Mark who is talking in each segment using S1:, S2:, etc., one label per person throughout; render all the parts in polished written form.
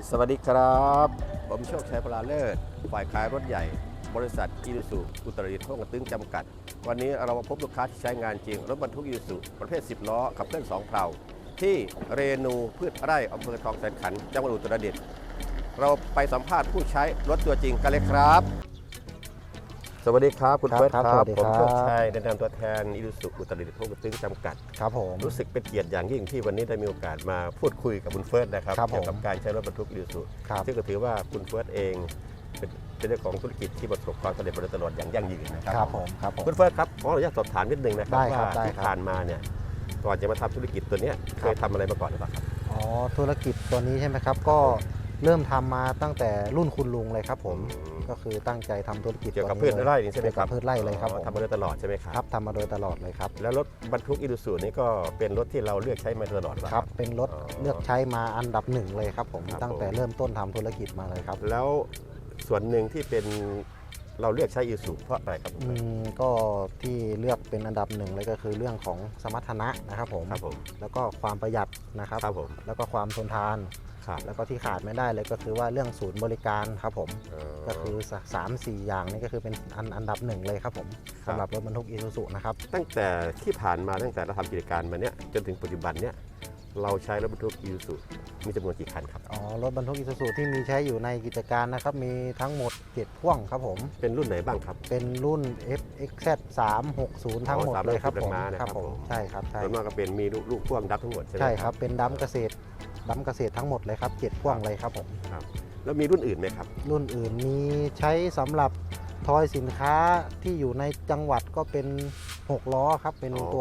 S1: สวัสดีครับผมโชคชัยพลาเลิศฝ่ายขายรถใหญ่บริษัทอีซูซุอุตรดิตถ์ห้องกระตึงจำกัดวันนี้เรามาพบลูกค้าที่ใช้งานจริงรถบรรทุกอีซูซุประเภท10ล้อขับเคลื่อน2เพลาที่เรนูพืชไร่อำเภอทองแสนขันธ์จังหวัดอุตรดิตถ์เราไปสัมภาษณ์ผู้ใช้รถตัวจริงกันเลยครับสวัสดีครับคุณเฟิร์สครับผมโชคชัยแนะนำตัวแทนอีซูซุอุตรดิตถ์ห้องกระตึงจำกัด
S2: ครับผม
S1: รู้สึกเป็นเกียรติอย่างยิ่งที่วันนี้ได้มีโอกาสมาพูดคุยกับคุณเฟิร์สนะครับเกี่ยวกับการใช้รถบรรทุกอีซูซุซึ่งก็ถือว่าคุณเฟิร์สเองเป็นเจ้าของธุรกิจที่ประสบความสำเร็จมาโดยตลอดอย่างยั่งยืนนะครับ
S2: ครับผม
S1: คุณเฟิร์สครับขออนุญาตสอบถามนิดนึงนะครับว่าที่ผ่านมาเนี่ยก่อนจะมาทำธุรกิจตัวนี้เคยทำอะไรมาก่อนหรือเปล่าครับ
S2: อ๋อธุรกิจตัวนี้ใช่ไหมครับก็เริ่มทำมาตั้งแต่รุ่นคุณลุงเลยครับผมก็คือตั้งใจทำธุรกิจ
S1: เกี่ยวกับพืชไร่นี่ใช่ไหมครับ
S2: พืชไร่เลยครับ
S1: ทำมาโดยตลอดใช่ไหมครับ
S2: ครับทำมาโดยตลอดเลยครับ
S1: แล้วรถบรรทุกอีซูซุนี่ก็เป็นรถที่เราเลือกใช้มาตลอด
S2: ครับเป็นรถเลือกใช้มาอันดับหนึ่งเลยครับผมตั้งแต่เริ่มต้นทำธุรกิจมาเลยครับ
S1: แล้วส่วนหนึ่งที่เป็นเราเลือกใช้อีซูซุเพราะอะไรครับ
S2: ก็ที่เลือกเป็นอันดับหนึ่งเลยก็คือเรื่องของสมรรถนะนะครับผมแล้วก็ความประหยัดนะครับแล้วก็ความทนทานแล้วก็ที่ขาดไม่ได้เลยก็คือว่าเรื่องศูนย์บริการครับผมก็คือ 3-4 อย่างนี้ก็คือเป็นอันดับหนึ่งเลยครับผมสำหรับรถบรรทุกอีซูซุนะครับ
S1: ตั้งแต่ที่ผ่านมาตั้งแต่เราทำกิจการมาเนี้ยจนถึงปัจจุบันเนี้ยเราใช้รถบรรทุกอีซูซุมีจำนวนกี่คันครับ
S2: รถบรรทุกอีซูซุที่มีใช้อยู่ในกิจการนะครับมีทั้งหมด7พ่วงครับผม
S1: เป็นรุ่นไหนบ้างครับ
S2: เป็นรุ่น FXZ 360ทั้งหมดเลยครับผม
S1: ครับผม
S2: ใช่ครับใช่
S1: ส่วนมากก็เป็นมีลูกพ่วงดับทั้งหมด
S2: ใช่ครับเป็นดัมเกษตรทั้งหมดเลยครับ7พ่วงเลยครับผม
S1: ครับแล้วมีรุ่นอื่นไหมครับ
S2: รุ่นอื่นมีใช้สำหรับทอยสินค้าที่อยู่ในจังหวัดก็เป็น6ล้อครับเป็นตัว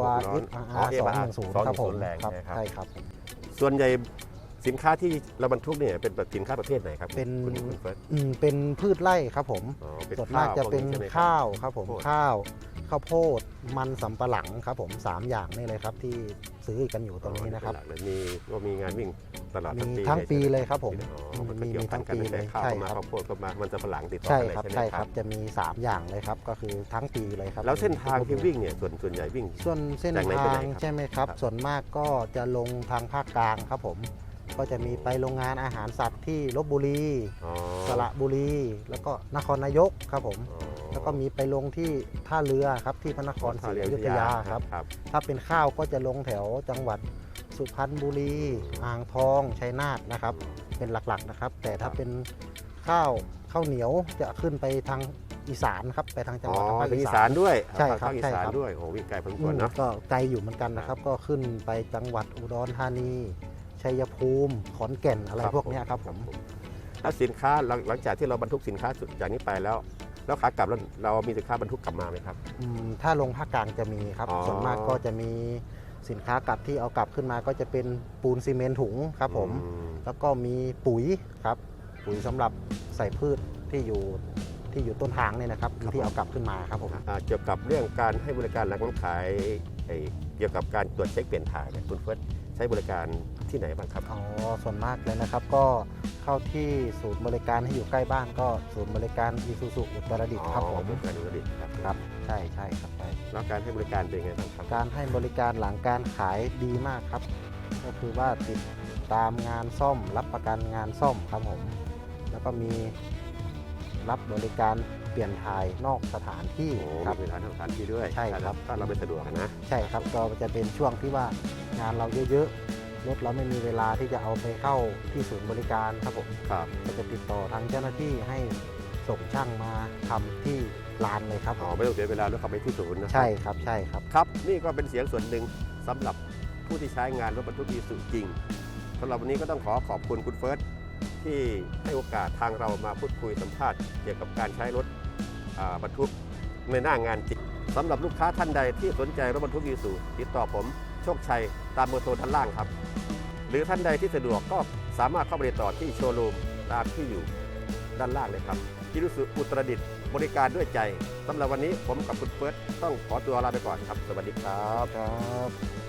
S2: SR 210ครับผมใช่ครับ
S1: ส่วนใหญ่สินค้าที่เราบรรทุกเนี่ยเป็นสินค้าประเภทไหนครับ
S2: เป็นพืชไร่ครับผมส่วนมากจะเป็นข้าวครับผมข้าวโพดมันสำปะหลังครับผม3อย่างนี่เลยครับที่ซื้อกันอยู่ตรงนี้นะครับ
S1: มีงานวิ่งตลอด
S2: ทั้งปีเลยครับผมมีทั้งปีเลย
S1: ใช่ครับข้าวโพดก็มามันสำปะหลังติดต่อ
S2: ใช่ครับใช่ครับจะมี3อย่างเลยครับก็คือทั้งปีเลยครับ
S1: แล้วเส้นทางที่วิ่งเนี่ยส่วนใหญ่วิ่ง
S2: ส่วนเส้นทางใช่ไหมครับส่วนมากก็จะลงทางภาคกลางครับผมก็จะมีไปโรงงานอาหารสัตว์ที่ลพบุรีสระบุรีแล้วก็นครนายกครับผมแล้วก็มีไปลงที่ท่าเรือครับที่พระนครศรีอยุธยาครับถ้าเป็นข้าวก็จะลงแถวจังหวัดสุพรรณบุรีอ่างทองชัยนาทนะครับเป็นหลักๆนะครับแต่ถ้าเป็นข้าวเหนียวจะขึ้นไปทางอีสานครับไปทางจังหวัดภาค
S1: อีสานด้วย
S2: ใช่ครับ
S1: อีสานด้วยโอ้วิ่งไกลพอสมควรเนาะ
S2: ก็ไกลอยู่เหมือนกันนะครับก็ขึ้นไปจังหวัดอุดรธานีชัยภูมิขอนแก่นอะไรพวกนี้ครับผม
S1: ถ้าสินค้าหลังจากที่เราบรรทุกสินค้าจากนี้ไปแล้วขากลับเรามีสินค้าบรรทุกกลับมาไหมครับ
S2: ถ้าลงภาคกลางจะมีครับส่วนมากก็จะมีสินค้ากลับที่เอากลับขึ้นมาก็จะเป็นปูนซีเมนต์ถุงครับผมแล้วก็มีปุ๋ยครับปุ๋ยสำหรับใส่พืชที่อยู่ต้นทางเนี่ยนะครับที่เอากลับขึ้นมาครับผม
S1: เกี่ยวกับเรื่องการให้บริการหลังการขายเกี่ยวกับการตรวจเช็คเปลี่ยนถ่ายเนี่ยคุณเฟิร์สใช้บริการที่ไหนบ้างครับ
S2: ส่วนมากเลยนะครับก็เข้าที่ศูนย์บริการที่อยู่ใกล้บ้านก็ศูนย์บริการอีซูซุอุตรดิตถ์ครับผม
S1: อุตรดิตถ์
S2: ครับใช่ครับใช่
S1: แล้วการให้บริการเป็นไงบ้างครับ
S2: การให้บริการหลังการขายดีมากครับก็คือว่าติดตามงานซ่อมรับประกันงานซ่อมครับผมแล้วก็มีรับบริการเปลี่ยนถ่ายนอกสถานที่
S1: ครับเปลี่ยนถ่ายนอกสถานที่ด้วย
S2: ใช่ครับ
S1: ถ้าเราไม่สะดวกนะ
S2: ใช่ครับก็จะเป็นช่วงที่ว่างานเราเยอะๆรถเราไม่มีเวลาที่จะเอาไปเข้าที่ศูนย์บริการครับผมก็จะติดต่อทางเจ้าหน้าที่ให้ส่งช่างมาทำที่ลานเลยครับ
S1: ไม่ต้องเสียเวลารถขับไปที่ศูนย์นะ
S2: ใช่ครับใช่ครับ
S1: ครับนี่ก็เป็นเสียงส่วนหนึ่งสำหรับผู้ที่ใช้งานรถบรรทุกอีซูซุจริงสำหรับวันนี้ก็ต้องขอบคุณคุณเฟิร์สที่ให้โอกาสทางเรามาพูดคุยสัมภาษณ์เกี่ยวกับการใช้รถบรรทุกในหน้างานจริงสำหรับลูกค้าท่านใดที่สนใจรถบรรทุกอีซูซุติดต่อผมโชคชัยตามเบอร์โทรด้านล่างครับหรือท่านใดที่สะดวกก็สามารถเข้าไปติดต่อที่โชว์รูมตามที่อยู่ด้านล่างเลยครับอีซูซุอุตรดิตถ์บริการด้วยใจสำหรับวันนี้ผมกับคุณเฟิร์สต้องขอตัวลาไปก่อนครับสวัสดีครับ